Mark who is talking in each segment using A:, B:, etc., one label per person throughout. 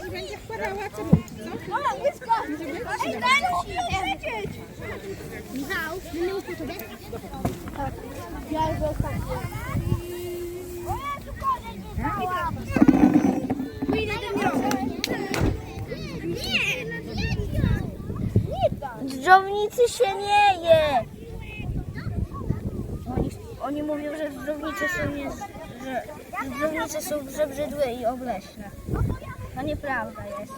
A: i będzie wkładała cebulki, co?
B: O, jest go! Ej, daj mu wiedzieć!
C: Michał, będę mógł tobie?
B: Tak. Ja już ostatnio.
C: Pójdę do mnie.
B: Z dżownicy się nie je! Oni mówią, że dżownice są przebrzydłe i obleśne. To nieprawda jest.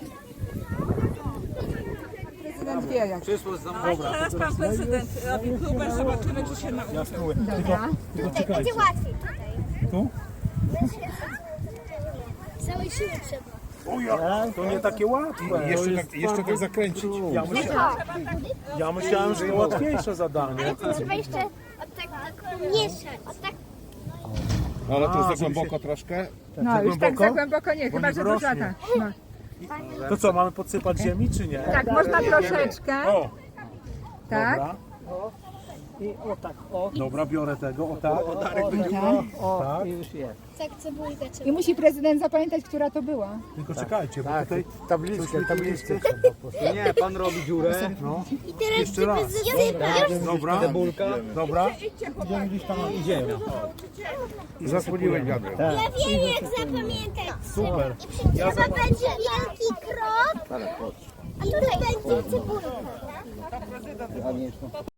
A: Prezydent wie jak.
D: Teraz pan prezydent robi próbę, zobaczymy, czy się nauczy.
C: Tylko czekajcie. Będzie łatwiej tutaj.
E: Tu?
C: Całej siły trzeba.
E: To nie takie łatwe.
F: Jeszcze tak zakręcić.
E: Ja myślałem, że to łatwiejsze zadanie.
C: Trzeba jeszcze od tak mieszać. Od tak.
F: Ale to jest za głęboko troszkę.
A: No już tak za głęboko nie, chyba że
E: wyrośnie.
A: duża. No.
E: To co, mamy podsypać ziemi, czy nie?
A: Tak, można troszeczkę.
E: O,
A: Tak.
E: dobra.
G: I o tak, o.
E: Dobra, biorę tego, o tak.
G: O, i już jest.
C: Tak, cebulkę trzeba.
A: I musi prezydent zapamiętać, która to była.
E: Tylko czekajcie, bo tutaj
F: Tabliczkę.
G: Nie, pan robi dziurę.
E: no.
C: I teraz
E: Jeszcze raz. Dobra,
G: Cebulka.
E: dobra.
G: Idziemy.
F: Zasłoniłeś wiadro.
C: Ja wiem jak zapamiętać.
E: Super.
C: Trzeba będzie wielki krok. I tutaj będzie cebulka.